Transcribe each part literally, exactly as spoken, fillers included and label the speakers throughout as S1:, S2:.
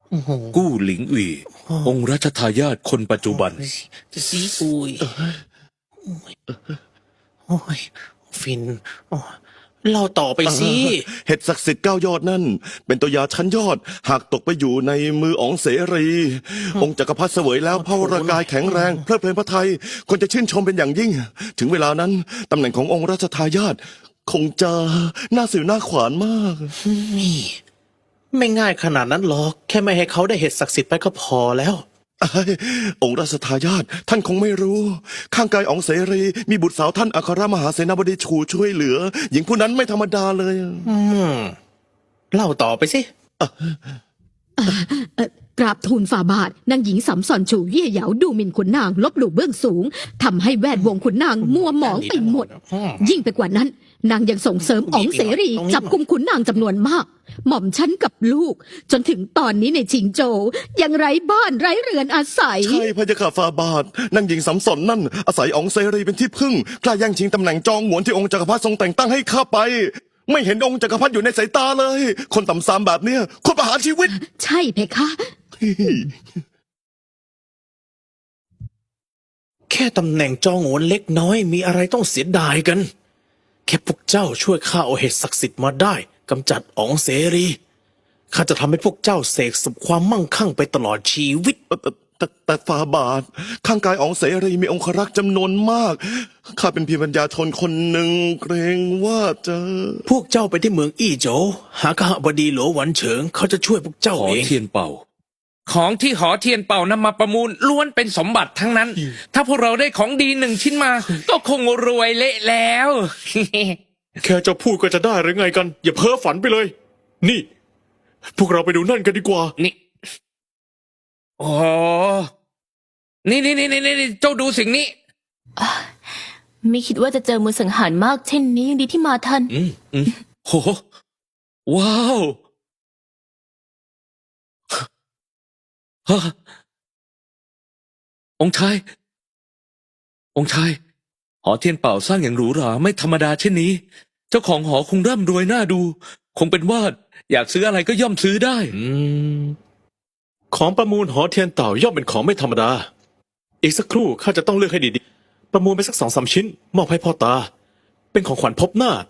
S1: กู้หลิงอีองค์รัชทายาทคนปัจจุบัน
S2: ซีอุยโอ้ยฟินเล่าต่อไปสิ
S3: เห็ดศักดิ์สิทธิ์เก้ายอดนั่นเป็นตัวยาชั้นยอดหากตกไปอยู่ในมืออ๋องเสรี องค์จักรพรรดิเสวยแล้วพระวรากายแข็งแรงเพลิดเพลินพระทัยคนจะชื่นชมเป็นอย่างยิ่ง ถึงเวลานั้นตำแหน่งขององค์รัชทายาทคงจะน่าสื่อน่าขวานมาก
S2: นี่ไม่ง่ายขนาดนั้นหรอกแค่ไม่ให้เขาได้เห็ดศักดิ์สิทธิ์ไปก็พอแล้ว
S3: องค์รัชทายาทท่านคงไม่รู้ ข้างกายอ๋องเสรีมีบุตรสาวท่านอัครมหาเสนาบดีชูช่วยเหลือ หญิงผู้นั้นไม่ธรรมดาเลย
S2: อืมเล่าต่อไปสิ
S4: กราบทูลฝ่าบาทนางหญิงสำสอนฉูเย่เหยาดูหมิ่นขุนนางลบหลู่เบื้องสูงทำให้แวดวงขุนนางมัวหมองไปหมดยิ่งไปกว่านั้นนางยังส่งเสริมอ๋องเสรีจับกุมขุนนางจำนวนมากหม่อมฉันกับลูกจนถึงตอนนี้ในชิงโจวยังไร้บ้านไร้เรือนอาศัย
S3: ใช่พระยาค่ะฝ่าบาทนางหญิงสำสอนนั่นอาศัยอ๋องเสรีเป็นที่พึ่งกล้าแย่งชิงตำแหน่งจองหวนที่องค์จักรพรรดิทรงแต่งตั้งให้ข้าไปไม่เห็นองค์จักรพรรดิอยู่ในสายตาเลยคนต่ำซามแบบเนี้ยคนประหารชีวิต
S4: ใช่เพคะ
S2: แค่ตำแหน่งจองโหนเล็กน้อยมีอะไรต้องเสียดายกันแค่พวกเจ้าช่วยข้าเอาเห็ดศักดิ์สิทธิ์มาได้กำจัดอ๋องเสรีข้าจะทำให้พวกเจ้าเสกสุขความมั่งคั่งไปตลอดชีวิต
S3: แต่แต่แต่ฝ่าบาทข้างกายอ๋องเสรีมีองครักษ์จำนวนมากข้าเป็นเพียงปัญญาชนคนหนึ่งเกรงว่าจะ
S2: พวกเจ้าไปที่เมืองอี้โจวหากหบดีหลวหวันเฉิงเขาจะช่วยพวกเจ้าเอง
S1: หอเทียนเป่า
S5: ของที่หอเทียนเป่านำมาประมูลล้วนเป็นสมบัติทั้งนั้น ถ้าพวกเราได้ของดีหนึ่งชิ้นมา ก็คงรวยเละแล้ว
S6: แค่จะพูดก็จะได้หรือไงกัน อย่าเพ้อฝันไปเลย นี่ พวกเราไปดูนั่นกันดีกว่า
S5: นี่โอ้นี่นี่นี่นี่เจ้าดูสิ่งนี้
S7: ไม่คิดว่าจะเจอมือสังหารมากเช่นนี้ยังดีที่มาทัน
S1: อืมอืมโหว้าวฮะองค์ชายองค์ชายหอเทียนเป่าสร้างอย่างหรูหราไม่ธรรมดาเช่นนี้เจ้าของหอคงร่ำรวยน่าดูคงเป็นว่าอยากซื้ออะไรก็ย่อมซื้อได้
S6: อืมของประมูลหอเทียนเต่าย่อมเป็นของไม่ธรรมดาอีกสักครู่ข้าจะต้องเลือกให้ดีๆประมูลไปสักสองสามชิ้นมอบให้พ่อตาเป็นของขวัญพบหน้า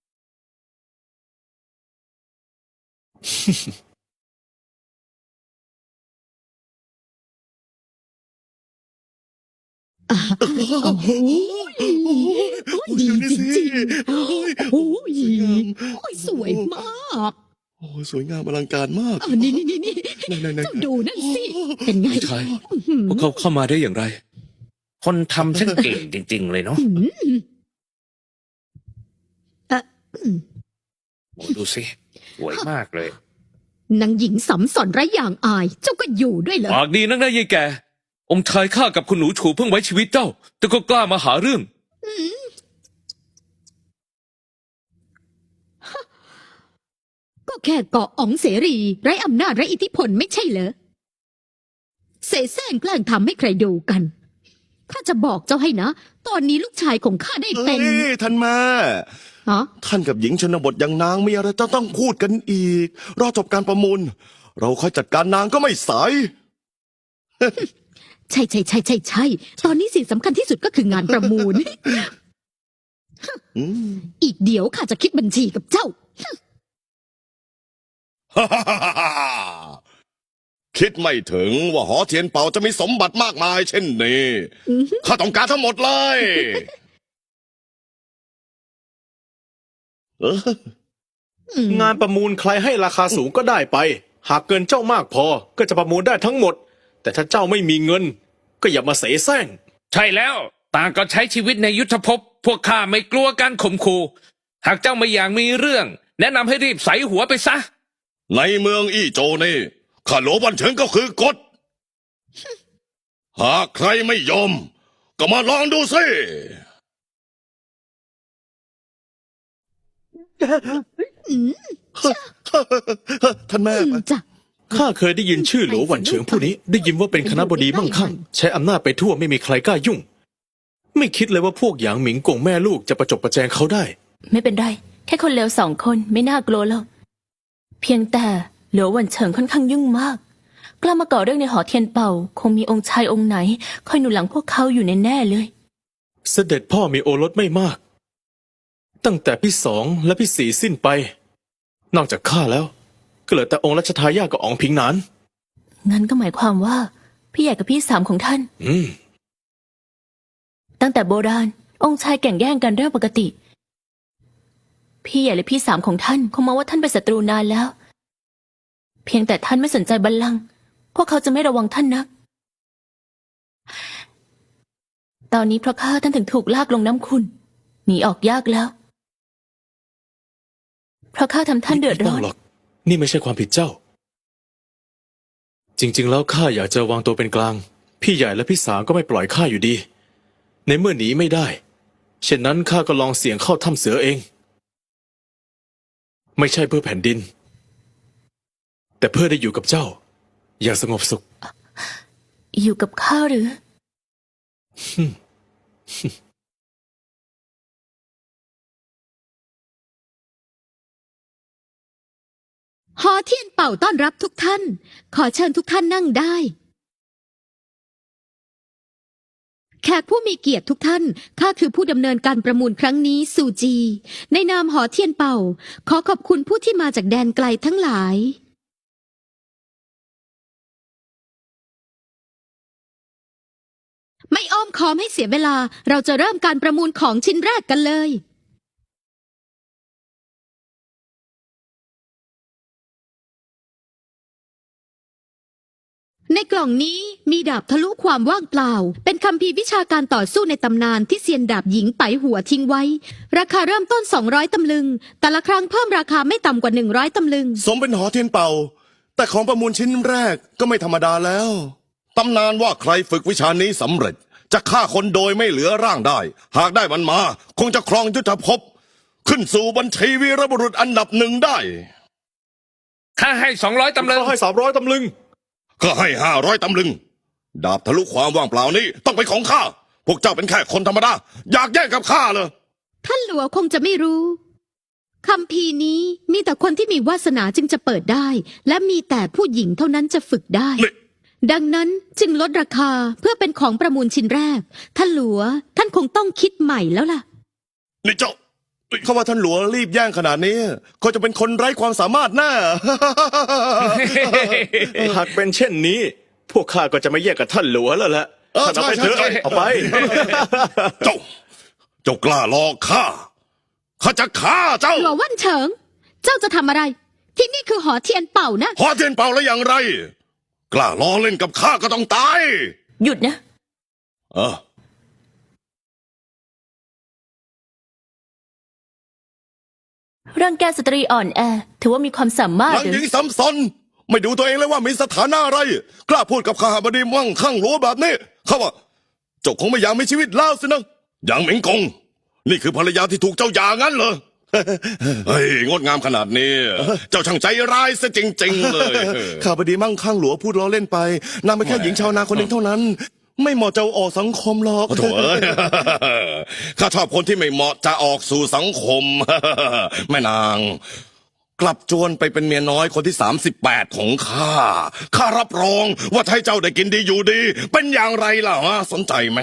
S4: โอ้โหดีจริงๆโอ้ยสวยมาก
S3: โอ้สวยงามอลังการมาก
S4: นี่นี่นี่นี่เจ้าดูนั่นสิเป็นไง
S1: ใช่พวกเขาเข้ามาได้อย่างไร
S5: คนทำช่างเก่งจริงๆเลยเนาะโอ้ดูสิสวยมากเลย
S4: นางหญิงสำสอนไร้อย่างอายเจ้าก็อยู่ด้วยเหรอ
S1: ปากดีนักนะยายแกองค์ชายข้ากับคุณหนูฉูเพิ่งไว้ชีวิตเจ้าแต่ก็กล้ามาหาเรื่อง
S4: ก็แค่เกาะอ๋องเสรีไร้อำนาจไร้อิทธิพลไม่ใช่เหรอเสแสร้งแกล้งทำให้ใครดูกันข้าจะบอกเจ้าให้นะตอนนี้ลูกชายของข้าได้เป็น
S3: ท่านแม่ท่านกับหญิงชนบทอย่างนางมีอะไรจะต้องพูดกันอีกรอจบการประมูลเราค่อยจัดการนางก็ไม่สาย
S4: ใช่ใช่ใช่ใช่ใช่ตอนนี้สิ่งสำคัญที่สุดก็คืองานประมูลอีกเดี๋ยวข้าจะคิดบัญชีกับเจ้า
S3: คิดไม่ถึงว่าหอเทียนเป่าจะมีสมบัติมากมายเช่นนี้ข้าต้องการทั้งหมดเลย
S6: งานประมูลใครให้ราคาสูงก็ได้ไปหากเกินเจ้ามากพอก็จะประมูลได้ทั้งหมดแต่ถ้าเจ้าไม่มีเงินก็อย่ามาเสแสร้ง
S5: ใช่แล้วต่างก็ใช้ชีวิตในยุทธภพพวกข้าไม่กลัวการข่มขู่หากเจ้าไม่อยากมีเรื่องแนะนำให้รีบใส่หัวไปซะ
S3: ในเมืองอี้โจนี่ข้าหลวงวันเฉิงก็คือกฎหากใครไม่ยอมก็มาลองดูสิท่านแม่
S4: จ้ะ
S6: ข้าเคยได้ยินชื่อหลวหวันเฉิงผู้นี้ได้ยินว่าเป็นคณบดีมั่งคั่งใช้อำนาจไปทั่วไม่มีใครกล้ายุ่งไม่คิดเลยว่าพวกหยางหมิงกงแม่ลูกจะประจบประแจงเขาได้
S7: ไม่เป็นไรแค่คนเลวสองคนไม่น่ากลัวหรอกเพียงแต่หลวหวันเฉิงค่อนข้างยุ่งมากกล้ามาก่อเรื่องในหอเทียนเป่า คงมีองค์ชายองค์ไหนคอยหนุนหลังพวกเขาอยู่แน่ๆเลย
S6: เสด็จพ่อมีโอรสไม่มาก ตั้งแต่พี่สองและพี่สี่สิ้นไป นอกจากข้าแล้ว ก็เหลือแต่องค์รัชทายาทกับอ๋องผิงหนาน
S7: งั้นก็หมายความว่า พี่ใหญ่กับพี่สามของท่าน
S6: อืม
S7: ตั้งแต่โบราณ องค์ชายแก่งแย่งกันเรื่องปกติ พี่ใหญ่และพี่สามของท่านคงมองว่าท่านเป็นศัตรูนานแล้ว เพียงแต่ท่านไม่สนใจบัลลังก์พวกเขาจะไม่ระวังท่านนัก ตอนนี้เพราะข้าท่านถึงถูกลากลงน้ำขุ่นหนีออกยากแล้ว เพราะข้าทำท่านเดือด
S6: ไม่
S7: ร้
S6: ต้
S7: อ
S6: อน งหรอก นี่ไม่ใช่ความผิดเจ้า จริง ๆ แล้วข้าอยากจะวางตัวเป็นกลาง พี่ใหญ่และพี่สามก็ไม่ปล่อยข้าอยู่ดี ในเมื่อหนีไม่ได้ เช่นนั้นข้าก็ลองเสี่ยงเข้าถ้ำเสือเอง ไม่ใช่เพื่อแผ่นดิน แต่เพื่อได้อยู่กับเจ้า อย่างสงบสุข
S7: อยู่กับข้าหรือ
S4: หอเทียนเป่าต้อนรับทุกท่าน ขอเชิญทุกท่านนั่งได้ แขกผู้มีเกียรติทุกท่าน ข้าคือผู้ดำเนินการประมูลครั้งนี้ซูจี ในนามหอเทียนเป่า ขอขอบคุณผู้ที่มาจากแดนไกลทั้งหลาย ไม่อ้อมค้อมให้เสียเวลา เราจะเริ่มการประมูลของชิ้นแรกกันเลย ในกล่องนี้มีดาบทะลุความว่างเปล่า เป็นคัมภีร์วิชาการต่อสู้ในตำนานที่เซียนดาบหญิงไปหัวทิ้งไว้ ราคาเริ่มต้นสองร้อยตำลึง แต่ละครั้งเพิ่มราคาไม่ต่ำกว่าหนึ่งร้อยตำลึง
S3: สมเป็นหอเทียนเป่า แต่ของประมูลชิ้นแรกก็ไม่ธรรมดาแล้วตำนานว่าใครฝึกวิชานี้สำเร็จ จะฆ่าคนโดยไม่เหลือร่างได้ หากได้มันมา คงจะครองยุทธภพ ขึ้นสู่บัญชีวีรบุรุษอันดับหนึ่งได้
S5: ข้าให้สองร้อยตำลึง
S6: ข้าให้สามร้อยตำลึง
S3: ก็ให้ห้าร้อยตำลึง ดาบทะลุความว่างเปล่านี้ต้องเป็นของข้า พวกเจ้าเป็นแค่คนธรรมดา อยากแย่งกับข้าเลย
S4: ท่านหลัวคงจะไม่รู้ คัมภีร์นี้มีแต่คนที่มีวาสนาจึงจะเปิดได้ และมีแต่ผู้หญิงเท่านั้นจะฝึกได้
S3: นี่
S4: ดังนั้นจึงลดราคาเพื่อเป็นของประมูลชิ้นแรก ท่านหลัวท่านคงต้องคิดใหม่แล้วล่ะ
S3: นี่เจ้าเขาว่าท่านหลวงรีบแย่งขนาดนี้เขาจะเป็นคนไร้ความสามารถแน่
S6: หากเป็นเช่นนี้ พวกข้าก็จะไม่แยกกับท่านหลวแล้วแหละ
S3: เออ
S6: ท่านเอาไป
S3: ใช่
S6: เถอะ
S3: ใช่
S6: เอาไป
S3: เจ้า เจ้ากล้าหลอกข้า ข้าจะฆ่าเจ้า
S4: หลัวว่านเฉิง เจ้าจะทำอะไร ที่นี่คือหอเทียนเป่านะ
S3: พอเทียนเป่าแล้วอย่างไร กล้าล้อเล่นกับข้าก็ต้องตาย
S7: หยุดนะ
S3: เออ
S7: ร่างแกสตรีอ่อนแอ ถือว่ามีความสามารถ
S3: หลัง
S7: หรือ
S3: หญิงซ้ำซ้อนไม่ดูตัวเองเลยว่ามีสถานะอะไร กล้าพูดกับข้าบดีมั่งข้างหลัวแบบนี้เขาว่าเจ้าคงไม่อยากมีชีวิตแล้วสินะอย่างเหม็งกง นี่คือภรรยาที่ถูกเจ้าหย่างั้นเหรอ เฮ้ยงดงามขนาดนี้ เจ้าช่างใจร้ายซะจริง ๆ เลย ข้าบดีมั่งข้างหลัวพูดล้อเล่นไปนางเป็นแค่หญิงชาวนาคนหนึ่งเท่านั้น ไม่เหมาะจะออกสังคมหรอกโถ่เอ้ย ข้าชอบคนที่ไม่เหมาะจะออกสู่สังคม แม่นาง กลับจวนไปเป็นเมียน้อยคนที่สามสิบแปดของข้า ข้ารับรองว่าถ้าให้เจ้าได้กินดีอยู่ดี เป็นอย่างไรล่ะฮะสนใจไหม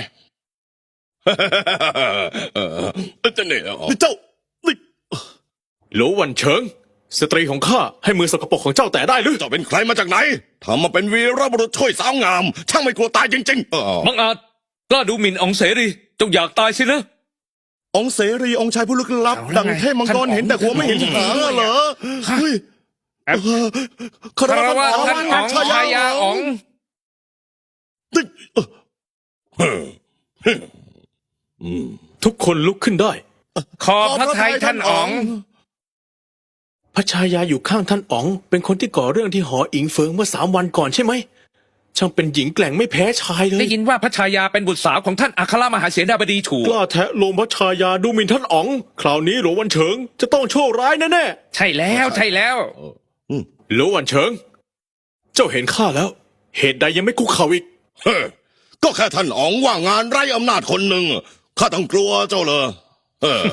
S3: เออจะเนี่ยนี่เจ้านี่
S6: หลววันเฉิง สตรีของข้าให้มือสกปรกของเจ้าแตะได้หรือ
S3: เจ้าเป็นใครมาจากไหนทำมาเป็นวีรบุรุษช่วยสาวงาม ช่างไม่กลัวตายจริงๆเออ
S1: บังอาจกล้าดูหมิ่นอ๋องเสรีจงอยากตายสินะ
S3: องค์เสรีองค์ชายผู้ลึกลับ
S5: เอาแล้ว
S3: ดังเทพมังกร
S5: ไง
S3: เห็นแต่หัวไม่เห็นหางอะเหรอเฮ้ย
S5: แอบ
S3: เออคา
S5: คาร
S3: วะ
S5: วะ
S3: อ๋อง
S5: ท่านอ๋องชายาอ๋อง
S3: นี่เออเฮ้อ
S6: ทุกคนลุกขึ้นได้
S5: ขอบพระทัยท่านอ๋อง
S6: พระชายาอยู่ข้างท่านอ๋อง เป็นคนที่ก่อเรื่องที่หออิงเฟิงเมื่อสามวันก่อนใช่ไหม ช่างเป็นหญิงแกร่งไม่แพ้ชายเลย
S5: ได้ยินว่าพระชายาเป็นบุตรสาวของท่านอัครมหาเสนาบดีถูก
S6: กล้าแทะโลมพระชายาดูหมิ่นท่านอ๋อง คราวนี้หลวงวันเฉิงจะต้องโชคร้ายแน่
S5: ใช่แล้วใช่แล้ว
S6: ๆหลวงวันเฉิง เจ้าเห็นข้าแล้ว เหตุใดยังไม่คุกเข่าอีก
S3: เฮ้อก็แค่ท่านอ๋องว่างงานไร้อำนาจคนหนึ่งข้าต้องกลัวเจ้าเลยเออ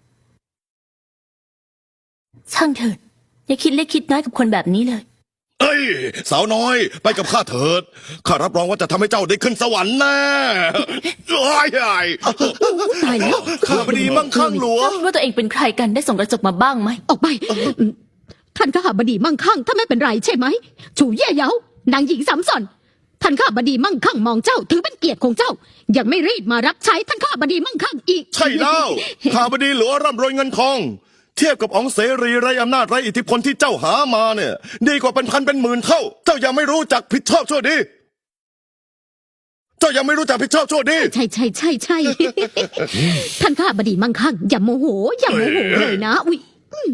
S7: ช่างเถิด อย่าคิดเล็กคิดน้อยกับคนแบบนี้เลย
S3: เอ้ยสาวน้อย ไปกับข้าเถิด ข้ารับรองว่าจะทำให้เจ้าได้ขึ้นสวรรค์แน่ไอ้ไอ้
S4: ตายแล้ว
S3: ข้าพดีมั่งคั่งหลวง
S7: เจ้าคิดว่าตัวเองเป็นใครกันได้ส่งกระจกมาบ้างไหม
S4: ออกไป ท่านข้าบดีมั่งคั่งถ้าไม่เป็นไรใช่ไหมฉูเย่เหยานางหญิงสามสอนท่านข้าบดีมั่งคั่งมองเจ้าถือเป็นเกียรติของเจ้า ยังไม่รีบมารับใช้ท่านข้าบดีมั่งคั่งอีก
S3: ใช่แล้วข้าพดีหลวงร่ำรวยเงินทอง เทียบกับอ๋องเสรีไร้อำนาจไร้อิทธิพลที่เจ้าหามาเนี่ย ดีกว่าเป็นพันเป็นหมื่นเท่า เจ้ายังไม่รู้จักผิดชอบชั่วดี เจ้ายังไม่รู้จักผิดชอบชั่วดี
S4: ใช่ใช่ใช่ใช่ ท่านข้าบดีมั่งคั่งอย่าโมโห อย่าโมโหเลยนะอุ้ย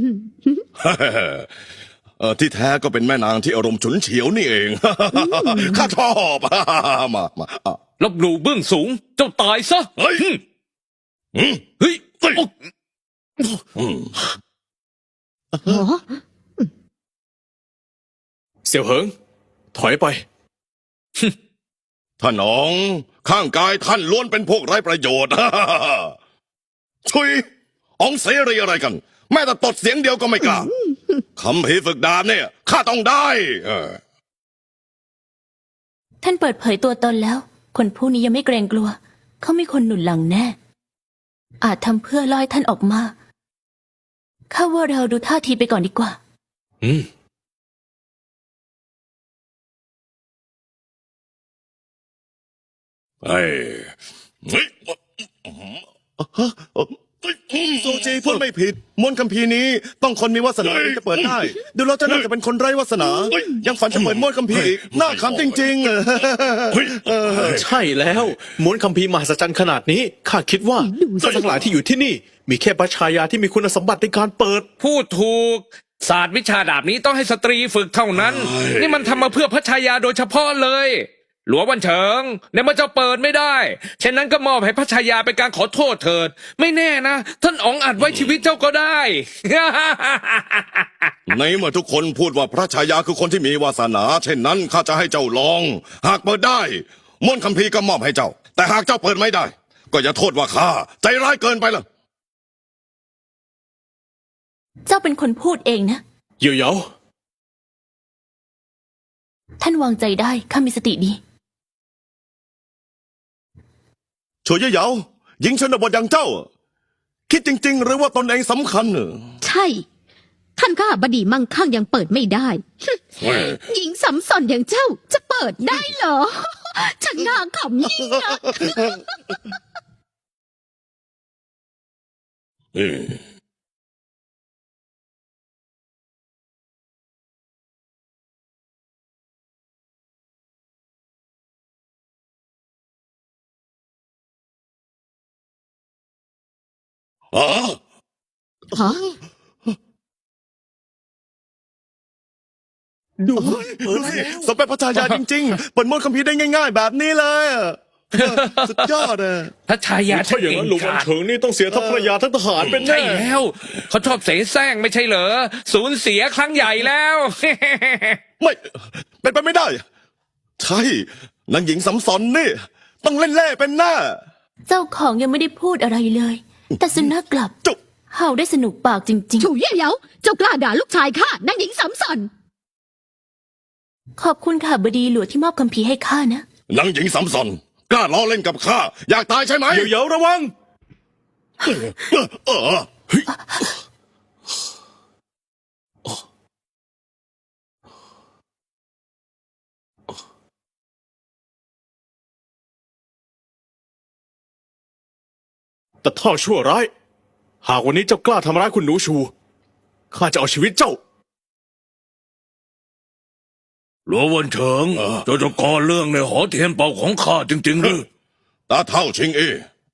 S3: เออที่แท้ก็เป็นแม่นางที่อารมณ์ฉุนเฉียวนี่เอง ข้าชอบ มามาอ่ะ
S5: ลบหลู่เบื้องสูง เจ้าตายซะ
S3: เฮ้ย
S5: หึ่ม
S3: อืม
S5: เฮ้ย
S3: เฮ้ย
S5: โอ๊ะ
S3: อืม
S4: อ๋อ
S6: เสี่ยวเหิง ถอยไป
S3: ท่านอ๋องข้างกายท่านล้วนเป็นพวกไร้ประโยชน์ ชุยอ๋องเสรีอะไรกัน แม้แต่ตดเสียงเดียวก็ไม่กล้าคำพีร์ฝึกดาบเนี่ยข้าต้องได้เออ
S7: ท่านเปิดเผยตัวตนแล้ว คนผู้นี้ยังไม่เกรงกลัว เขามีคนหนุนหลังแน่ อาจทำเพื่อล่อให้ท่านออกมาข้าว่าเราดูท่าทีไปก่อนดีกว่า
S6: อืม
S3: เฮ้ยเฮ้ยโซจีพูดไม่ผิดมนต์คัมภีร์นี้ต้องคนมีวาสนาถึงจะเปิดได้ ดูแล้วเจะน่าจะเป็นคนไร้วาสนา ยังฝันจะเปิดมนต์คัมภีร์อีกน่าขำจริงๆเออ
S6: ใช่แล้วม้วนคัมภีร์มหัศจรรย์ขนาดนี้ข้าคิดว่าสัตว์ทั้งหลายที่อยู่ที่นี่ มีแค่พระชายาที่มีคุณสมบัติในการเปิด
S5: พูดถูก ศาสตร์วิชาดาบนี้ต้องให้สตรีฝึกเท่านั้น นี่มันทำมาเพื่อพระชายาโดยเฉพาะเลย หลวงวันเฉิงในเมื่อเจ้าเปิดไม่ได้ฉะนั้นก็มอบให้พระชายาเป็นการขอโทษเถิด ไม่แน่นะ ท่านอ๋องอาจไว้ชีวิตเจ้าก็ได้
S3: ในเมื่อทุกคนพูดว่าพระชายาคือคนที่มีวาสนา เช่นนั้นข้าจะให้เจ้าลอง หากเปิดได้มนต์คัมภีร์ก็มอบให้เจ้า แต่หากเจ้าเปิดไม่ได้ ก็อย่าโทษว่าข้าใจร้ายเกินไปละ
S7: เจ้าเป็นคนพูดเองนะ
S6: เหยี่ยวเหยา
S7: ท่านวางใจได้ข้ามีสติดี
S3: โฉยเหยาหญิงชนบทอย่างเจ้า คิดจริง ๆ หรือว่าตนเองสำคัญเนอะ
S4: ใช่ ท่านข้าบดีมั่งคั่งยังเปิดไม่ได้ หญิงสำสอนอย่างเจ้าจะเปิดได้เหรอ ฉันน่าขำยิ่งนะ
S3: อืม อ๋อ
S4: ฮะ
S3: ดูสิสมเป็นพระชายาจริง ๆ เปิดมนต์คัมภีร์ได้ง่าย ๆ แบบนี้เลยอะสุดยอดอะ
S5: พระชายา
S6: ถ้าอย่างนั้นหลวงวันเฉิงนี่ต้องเสียทั้งภรรยาทั้งทหารเป็น
S5: ใช่
S6: แน่
S5: แล้ว เขาชอบเสแสร้งไม่ใช่เหรอสูญเสียครั้งใหญ่แล้ว
S3: ไม่ เป็นไปไม่ได้ ใช่นางหญิงสำสอนนี่ ต้องเล่นเล่เป็นหน้า
S7: เจ้าของยังไม่ได้พูดอะไรเลย แต่สุนัขกลับ
S3: จุ๊บ
S7: เห่าได้สนุกปากจริง
S4: ฉูเย่เหยาเจ้ากล้าด่าลูกชายข้านางหญิงสำสอน
S7: ๆ ขอบคุณค่ะบดีหลวงที่มอบคัมภีร์ให้ข้านะ
S3: นางหญิงสำสอนกล้าล้อเล่นกับข้า อยากตายใช่ไหม
S6: เหยี่ยวเหยาระวัง
S3: เออ
S6: แต่ท่อชั่วร้าย หากวันนี้เจ้ากล้าทำร้ายคุณหนูชู ข้าจะเอาชีวิตเจ้า
S1: หลวงวันเฉิงเจ้าจะก่อเรื่องในหอเทียนเป่าของข้าจริงๆหรือ
S3: ตาเท่าชิงเอ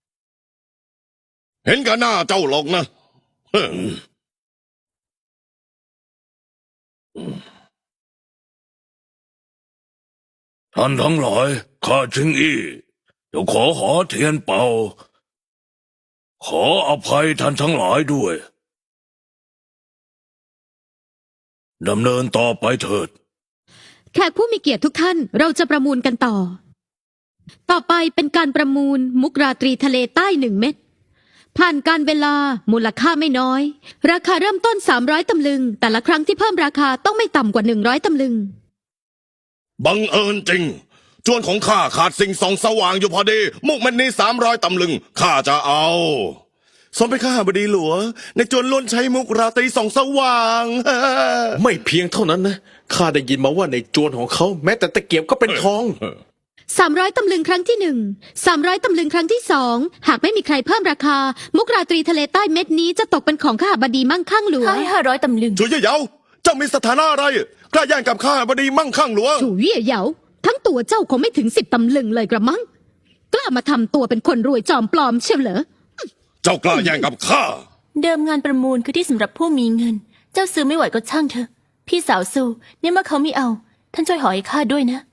S3: เห็นกันหน้าเจ้าหรอกนะเฮ้อ
S1: ท่านทั้งหลายข้าชิงอี้จะขอหอเทียนเป่า ขออภัยท่านทั้งหลายด้วยดำเนินต่อไปเถิด
S4: แขกผู้มีเกียรติทุกท่านเราจะประมูลกันต่อ ต่อไปเป็นการประมูลมุกราตรีทะเลใต้หนึ่งเม็ดผ่านการเวลามูลค่าไม่น้อย ราคาเริ่มต้นสามร้อยตำลึง แต่ละครั้งที่เพิ่มราคาต้องไม่ต่ำกว่าหนึ่งร้อยตำลึง
S3: บังเอิญจริง จวนของข้าขาดสิ่งส่องสว่างอยู่พอดี มุกมันนี้สามร้อยตำลึงข้าจะเอาสมเป็นข้าบดีหลวงในจวนล้วนใช้มุกราตรีส่องสว่าง
S2: ไม่เพียงเท่านั้นนะข้าได้ยินมาว่าในจวนของเขาแม้แต่ตะเกียบก็เป็นทอง
S4: สามร้อยตำลึงครั้งที่หนึ่งสามร้อยตำลึงครั้งที่สองหากไม่มีใครเพิ่มราคา มุกราตรีทะเลใต้เม็ดนี้จะตกเป็นของข้าบดีมั่งคั่งหลวง
S7: ให้ห้าร้อยตำลึง
S3: ช่วยเย่เหยาเจ้ามีสถานะอะไรกล้าแย่งกับข้าบดีมั่งคั่งหลวง
S4: จู่เย่เหยาทั้งตัวเจ้าคงไม่ถึงสิบตำลึงเลยกระมังกล้ามาทำตัวเป็นคนรวยจอมปลอมเชียวเหรอ
S3: เจ้ากล้าแย่งกับข้า
S7: เดิมงานประมูลคือที่สำหรับผู้มีเงิน เจ้าซื้อไม่ไหวก็ช่างเถอะ พี่สาวสู้เนี่ยเมื่อเขาไม่เอา ท่านช่วยหอให้ข้าด้วยนะ